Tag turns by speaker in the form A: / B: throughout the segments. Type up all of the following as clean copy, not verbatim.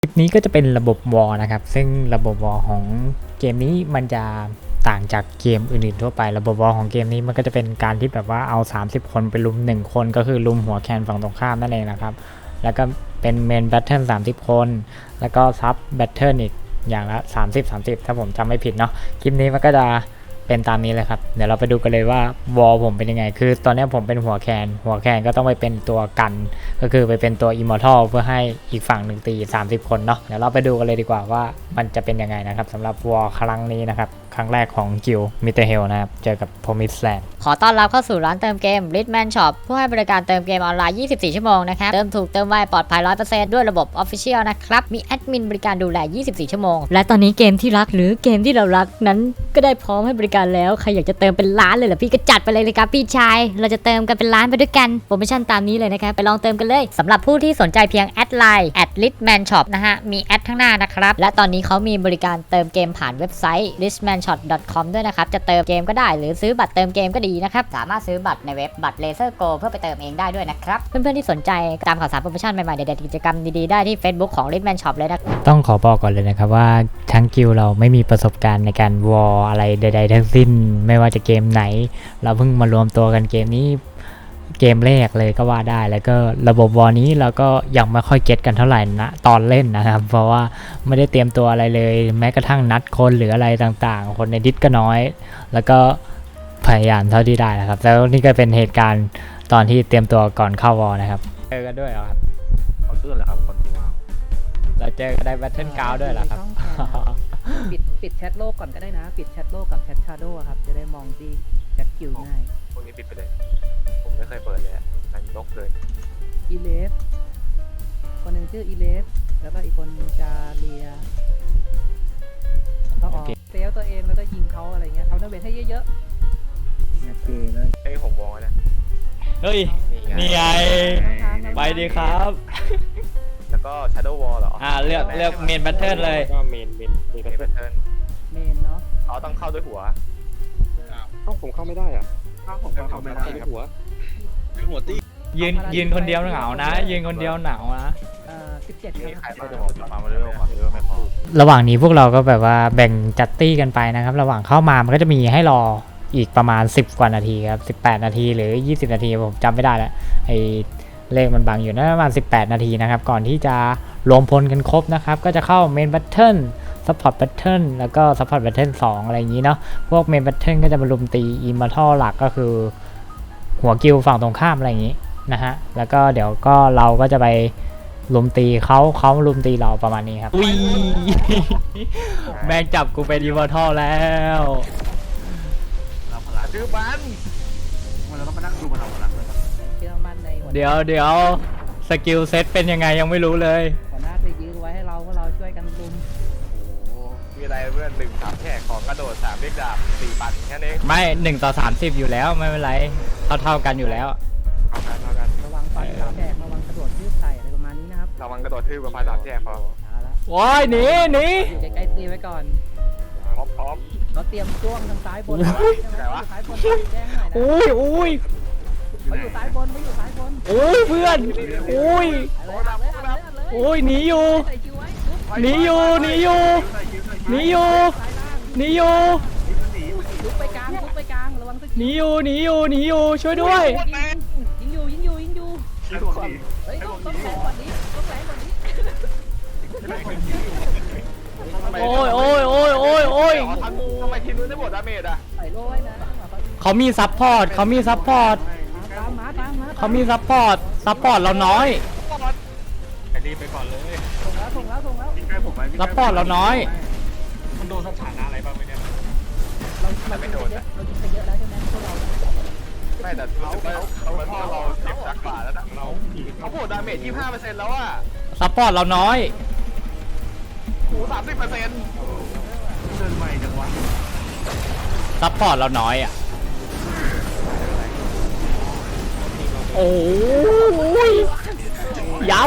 A: คลิปนี้ก็จะเป็นระบบวอลนะครับซึ่งระบบวอลของเกมนี้มันจะต่างจากเกมอื่นๆทั่วไประบบวอลของเกมนี้มันก็จะเป็นการที่แบบว่าเอา30คนไปลุม1คนก็คือลุมหัวแคนฝั่งตรงข้ามนั่นเองนะครับแล้วก็เป็นเมนแบทเทิล30คนแล้วก็ซับแบทเทิลอีกอย่างละ30ถ้าผมจำไม่ผิดเนาะคลิปนี้มันก็จะเป็นตามนี้เลยครับเดี๋ยวเราไปดูกันเลยว่าวอลผมเป็นยังไงคือตอนนี้ผมเป็นหัวแคนก็ต้องไปเป็นตัวกันก็คือไปเป็นตัวอิมมอร์ทัลเพื่อให้อีกฝั่งหนึ่งตี30คนเนาะเดี๋ยวเราไปดูกันเลยดีกว่าว่ามันจะเป็นยังไงนะครับสำหรับวอลครั้งนี้นะครับครั้งแรกของกิลมิเตอร์เฮลนะครับเจอกับโพมิสแลนด์
B: ขอต้อนรับเข้าสู่ร้านเติมเกม Ritman Shop ผู้ให้บริการเติมเกมออนไลน์ 24 ชั่วโมงนะครับ เติมถูกเติมไวปลอดภัย 100% ด้วยระบบ Official นะครับ มีแอดมินบริการดูแล 24 ชั่วโมง และตอนนี้เกมที่รักหรือเกมที่เรารักนั้นก็ได้พร้อมให้บริการแล้ว ใครอยากจะเติมเป็นล้านเลยเหรอพี่ก็จัดไปเลยครับพี่ชาย เราจะเติมกันเป็นล้านไปด้วยกัน โปรโมชั่นตามนี้เลยนะครับไปลองเติมกันเลยสำหรับผู้ที่สนใจเพียงแอดไลน์ @Ritman Shop นะฮะมีแอดข้างหน้านะครับและตอนนี้เขามีบริการเติมเกมผ่านเว็บไซต์ ritmanshop.com ด้วยนะครับจะเติมเกมก็ได้หรือซื้อบัตรเติมเกมก็ดีนะครับสามารถซื้อบัตรในเว็บบัตร Laser Go เพื่อไปเติมเองได้ด้วยนะครับเพื่อนๆที่สนใจตามข่าวสารโปรโมชั่นใหม่ๆเด็ดๆกิจกรรมดีๆได้ที่ Facebook ของ Ritman Shop เลยนะ
A: ต้องขอบอกก่อนเลยนะครับว่าทั้งกิลเราไม่มีประสบการณ์ในการวอลอะไรใดๆทั้งสิ้นไม่ว่าจะเกมไหนเราเพิ่งมารวมตัวกันเกมนี้เกมแรกเลยก็ว่าได้แล้วก็ระบบวอลนี้เราก็ยังไม่ค่อยเก็ตกันเท่าไหร่นะตอนเล่นนะครับเพราะว่าไม่ได้เตรียมตัวอะไรเลยแม้กระทั่งนัดคนหรืออะไรต่างๆคนในดิสก็น้อยแล้วก็พยายามเท่าที่ได้นะครับแล้วนี่ก็เป็นเหตุการณ์ตอนที่เตรียมตัวก่อนเข้าวอลนะครับเจอกันด้วยเหรอครับ
C: เขาชื่ออะไรครับคนที่ว่า
A: เราเจอกันในแบทเทิลกราวด์ด้วยเหรอครับ
D: ปิดแชทโลกก่อนก็ได้นะปิดแชทโลกกับแชทชาโดว์ครับจะได้มองที่แชทคิวง่าย
C: พวกนี้ปิดไปเลย ผมไม่เคยเปิดเลยมันลกเลย
D: อีเลฟคนหนึ่งชื่ออีเลฟแล้วก็อีกคนจาเลียก็ออกเซลตัวเองแล้วก็ยิงเขาอะไรเงี้ยทำดาเมจให้เยอะๆโอเคเลย
C: เอ้ยผมมองนะ
A: เฮ้ยนี่ไงไปดีครับ
C: แล้วก็ Shadow Wall เหรอ
A: เลือกเมนแบทเทิลเลย
C: ก็เมนแบทเทิล
D: เมนเนาะ
C: เขาต้องเข้าด้วยหัว
E: ผมเข้าไม่ได้อ่ะผมเข้าไม่ได้ครับหัวตี
A: ยืนคนเดียวเหงานะยืนคนเดียวหนาวนะ
D: 17
C: มี
D: ค
C: ใคร
D: รับ
C: มาไม่ได้ก่อนหรือไม่พอ
A: ระหว่างนี้พวกเราก็แบบว่าแบ่งจัดตี้กันไปนะครับระหว่างเข้ามามันก็จะมีให้รออีกประมาณ10กว่านาทีครับ18นาทีหรือ20นาทีผมจำไม่ได้แล้วไอ้เลขมันบังอยู่นะประมาณ18นาทีนะครับก่อนที่จะรวมพลกันครบนะครับก็จะเข้าเมนแบทเทิลซัพพอร์ตแบทเทิลแล้วก็ซัพพอร์ตแบทเทิล2อะไรอย่างนี้เนาะพวกเมนแบทเทิลก็จะมารุมตีอิมมอร์ทัลหลักก็คือหัวกิลฝั่งตรงข้ามอะไรอย่างนี้นะฮะแล้วก็เดี๋ยวก็เราก็จะไปลุมตีเขาลุมตีเราประมาณนี้ครับอุ้ยแม่งจับกูเป็นอิมมอร์ทัลแล้ว
C: ชื่อมัน
E: เราต้องมานั่งดูมันเอาพลังเลยครับ
D: เชื่อมั่นในหัวห
A: เดี๋ยวสกิลเซตเป็นยังไงยังไม่รู้เลย
D: น้าจะยื้อไว้ให้เราพวกเราช่วยกันรุม
C: มีอะไรเพื่อน1-3แฉกของกระโดด3เรียกดาบ4ปันแค่นี้
A: ไม่1:30อยู่แล้วไม่เป็นไรเท่ากันอยู่แล้ว
C: เท่ากัน
D: ระวังฟันสามแฉกระวังกระโดดยืดใส่อะไรประมาณนี้นะครับ
C: เรามันกระโดดทื่อประมาณ3แฉกพอ
D: เอาละ
A: โอ้ยหนี
D: อยู่ใกล้ๆตีไว้ก่อน
C: พร้อม
D: เราเตรียมจ้วงทางซ้ายบนใช่ไหมอยู่ซ้ายบนแจ้งหน่อยนะ
A: อุ้ย
D: เขาอยู่ซ้ายบน
A: เพื่อนอุ้ย
D: เลย
A: หนีอยู่
D: ใส่คิวไว้
A: หนีอยู่
D: ลุกไปกลางระวังสกิล
A: หนีอยู่ช่วยด้วย
D: ยิงอยู่เฮ้ยต้องแรงกว่านี้
A: โอ้ย
C: ทำไมทีมนู้นได้หมดดาเมจอ่ะ
D: ใส่โล่ไว้นะ
A: เขามีซัพพอร์ต
D: ตามมา
A: ซัพพอร์ตเราน้อย
E: ไอ้รีบไปก่อนเลย
D: ส่งแล้ว
E: ใกล้ผมไหม
A: ซัพพอร์ตเราน้อย
E: มันโดนสถานะอะไรบ้างไหมเนี่ย
D: เรายิงไปเยอะแล้วใช่ไหมพวกเรา
C: ไม่แต่เขาพ่อเราเจ็บจักกว่าแล้วนะเขาโหดดาเมจ25%แล้วอ่ะ
A: ซัพพอร์ตเราน้อย
C: หู30%
E: เดินใหม่จังวะ
A: ซัพพอร์ตเราน้อยอ่ะโอ้ยยับ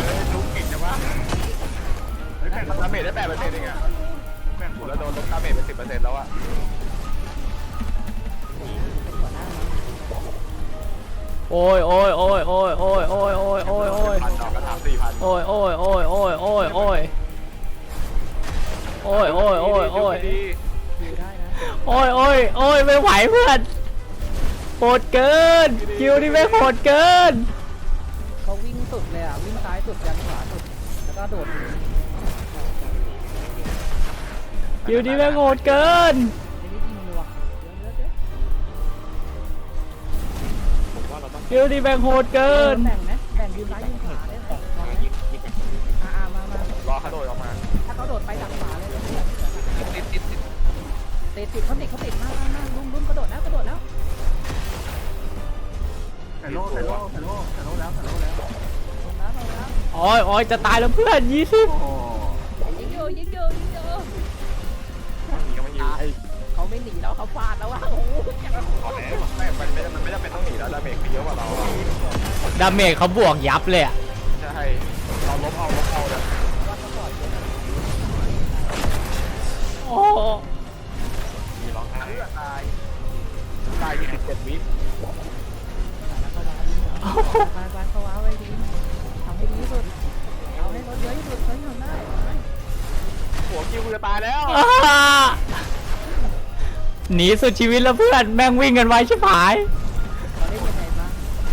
C: ดาเมจได้8%เองอะหูแล้วโดนลดดาเมจไป10%แล้วอะ
A: โอ้ย
C: พันดอกก็ถาม4,000
A: โอ้ยโอ้ยโอ้ยโอ้ยโอ้ย
D: คิวได้นะ
A: โอ้ยโอ้ยโอ้ยไม่ไหวเพื่อนโหดเกินคิวนี่ไม่งโหดเกิน
D: เขาวิ่งสุดเลยอ่ะวิ่งซ้ายสุดยันขวาสุดแล้วก็โดดหนี
A: คิวนี่ไม่งโหดเกิน
D: ไอ้นี่ยิงเลยว่ะเดี๋ยว
E: ผมว่าเราต้อง
A: คิวนี่แม่งโหดเกิน
D: แบ่งไหมแบ่งยืนซ้ายยืนขวาได้ไหมลองไหม
E: ยิงแบบ
D: มาร
C: อเขาโดดออกมา
D: ถ้าเขาโดดไปดักขวาเลย
C: ติด
D: ติดเขาติดมากลุ้นกระโดดแล้วกระโดดแล้ว
E: แต่โล่แล้ว
D: ลงแล้ว
A: โอ้ยโอ้ยจะตายแล้วเพื่อน20
D: ยิงอยู่
C: หนีก็ไม่ยิง
D: เขาไม่หนีแล้วเขาฟาดแล้วว่ะโอ้โห
C: ขอแน่ไม่มันไม่จำเป็นต้องหนีแล้วดาเมจเยอะกว่าเรา
A: ดาเมจเขาบวกยับเลยอะ
C: ใช่เราลบเอาเลย
D: ว่าสปอร์ตเยอะนะ
A: โอ้
E: มีร้องไห้
C: เพื่อตายที่17 วิ
D: แล้วเขาว้าเขาว้าไว้ดีทำให้ดีที่สุดเอาให้รถเยอะที่สุดเขาทำได้
C: หัวคิวจะตายแล้ว
A: อ่าหนีสุดชีวิตแล้วเพื่อนแม่งวิ่งกันไวชิบหาย
D: เขาได้ยังไงบ้าง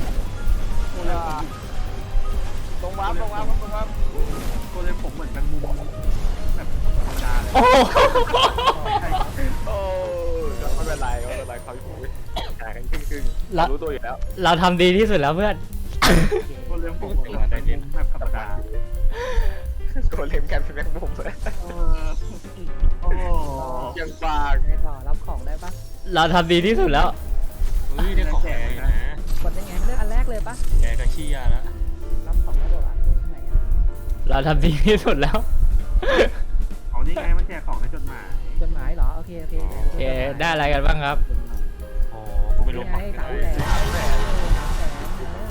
C: ลงวับ
E: ตัวเล่นผมเหมือนกันมุมแบบธรรมดาเลย
A: โอ้
C: โอ้ไม่เป็นไรเขาอยู่หากันครึ่งรู้ตัวอยู่แล้ว
A: เราทำดีที่สุดแล้วเพื่อน
E: ตัวเล่นผมแบบธรรมดา
C: ตัวเล็มกันเป็นแมงมุมเลย
E: โอ้
C: ยังปาก
D: ไงต่อรับของได้ปะ
A: เราทำดีที่สุดแล้ว
E: เฮ้ยได้ของแกนะ
D: กดได้ไงเลือกอันแรกเลยปะ
E: แกก็ขี้ยาแล้ว
D: รับของแล้วบอกว่าไหนอ่ะ
A: เราทำดีที่สุดแล้ว
E: ของนี่ไงมันแจกของในจดหมาย
D: จดหมายเหรอโอเค
A: โอเคได้อะไรกันบ้างครับ
E: โอ้กูไม่รู้
D: ไง300,000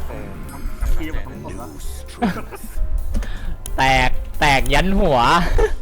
E: พี่จะมาทั้งหมดแล้ว
A: แตกยันหัว